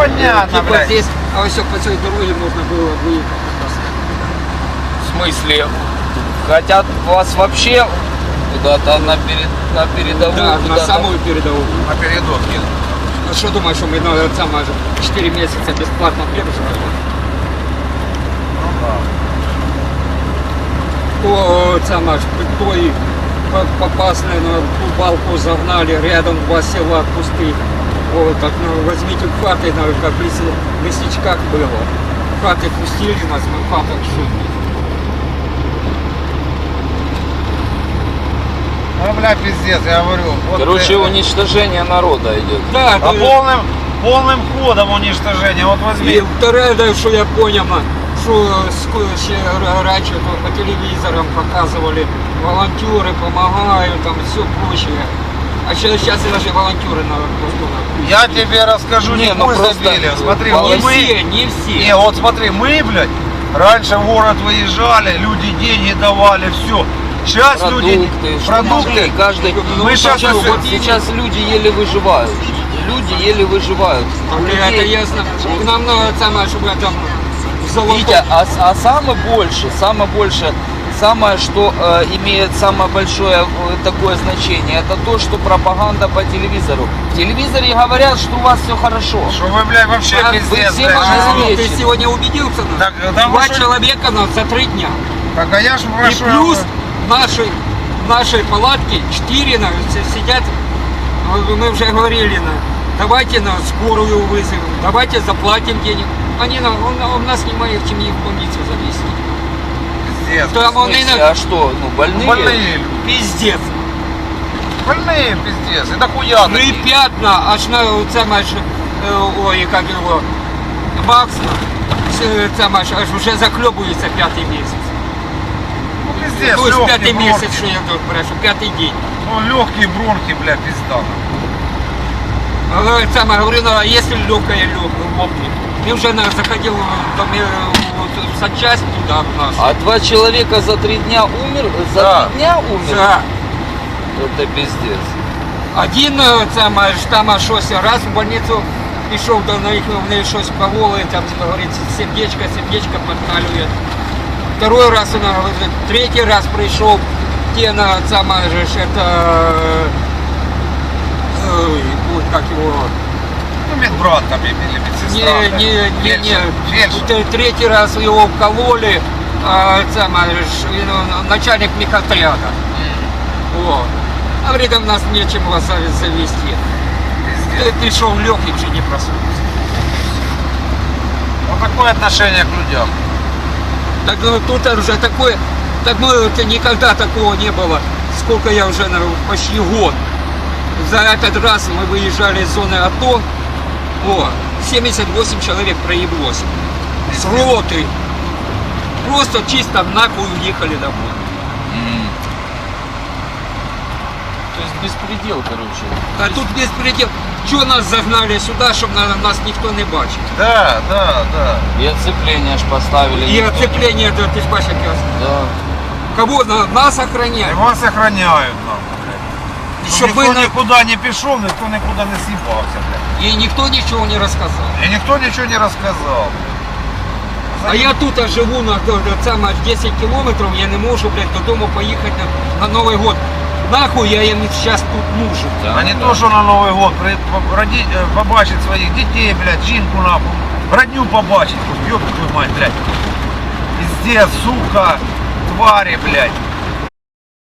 понятно, Типа блядь. здесь, а все по этой дороге можно было выехать. В смысле? Хотят вас вообще куда-то на передовую? Да, на куда-то? самую передовую. На передок А что думаешь, что мы на самое 4 месяца бесплатно хлеб жрали? То самое, той попасной на ту балку загнали, рядом 2 села пустых. Вот так, ну, возьмите хаты, как в лесничках было. Хаты пустили нас, мы в хатах жили. Ну, бля, пиздец, я говорю. Вот Короче, это. уничтожение народа идет. Да, А полным ходом уничтожение. Вот возьми. и второе, да, что я понял, что раньше по телевизорам показывали, волонтеры помогают, там все прочее. А сейчас даже волонтеры надо просто... Я тебе расскажу, Не, не ну мы просто забили. Смотри, не вот мы... все, не все. Не, вот смотри, мы, блядь, раньше в город выезжали, люди деньги давали, все. Сейчас люди... Продукты, что Продукты. могли, каждый... Мы сейчас сейчас, вот сейчас люди еле выживают. Люди еле выживают. Это ясно. Нам надо самое, чтобы там золото... Витя, а самое больше, самое, что имеет самое большое такое значение, это то, что пропаганда по телевизору. В телевизоре говорят, что у вас все хорошо. Что вы, блядь, вообще А, пиздец, вы все блядь. можете- Ты сегодня убедился? Так, да, Два вы что- человека за 3 дня. Так, а я ж И прошу... плюс в нашей палатке 4 сидят, мы уже говорили, давайте на скорую вызовем, давайте заплатим денег. Он нас не имеет чем их в больницу завести. Пиздец. Там В он смысле, а что, ну больные? Больные, пиздец. больные, пиздец. Это хуя Ну и такие. пятна, аж на самое, ой, как его, Максна, самое, аж уже заклебывается 5-й месяц. Ну, пиздец, То есть 5-й легкие месяц, бронхи. что я тут прошу, 5-й день. Ну, легкие бронхи, бля, пизда. Самое, говорю, ну, а если легкое лопнет, ты уже заходил в санчасть туда в нас. А 2 человека за 3 дня умер? За Да. 3 дня умер? Да. Это пиздец. Один самое, там щось раз в больницу пішов, до них вони щось проволи, там, говорится, сердечко подкалює. Второй раз он говорит, третий раз пришел, те на самое же, это, ой, как его, Ну, медбрат там или медсестра. Фельдшер. Третий раз его вкололи, самое же, начальник мехотряда. Вот. А говорит, у нас нечем вас завести. Пиздец. Ты шел легкий, уже не проснулся. Вот такое отношение к людям. Так ну, тут уже такое, так мы это никогда такого не было. Сколько я уже, наверное, почти год. За этот раз мы выезжали из зоны АТО. 78 человек проеблось. С роты. Просто чисто нахуй уехали домой. То есть беспредел, короче. А тут беспредел. Чего нас загнали сюда, чтобы нас никто не бачил? Да, да, да. И оцепление аж поставили. И никто не- оцепление, да, ты ж бачишь, Да. кого нас И охраняют. вас охраняют, нахуй. Чтоб Никто вы на- никуда не пішов, никто никуда не съебался, блядь. И никто ничего не рассказал. И никто ничего не рассказал. А я тут живу на саме 10 кілометрів, я не можу, блядь, додому поїхати на Новий год. Нахуй я їм зараз тут нужен. Да, А не да. то, что на Новый год побачить своих детей, блядь, жінку нахуй, родню побачить, ёб твою мать, блядь. Пиздец, сука, твари, блядь.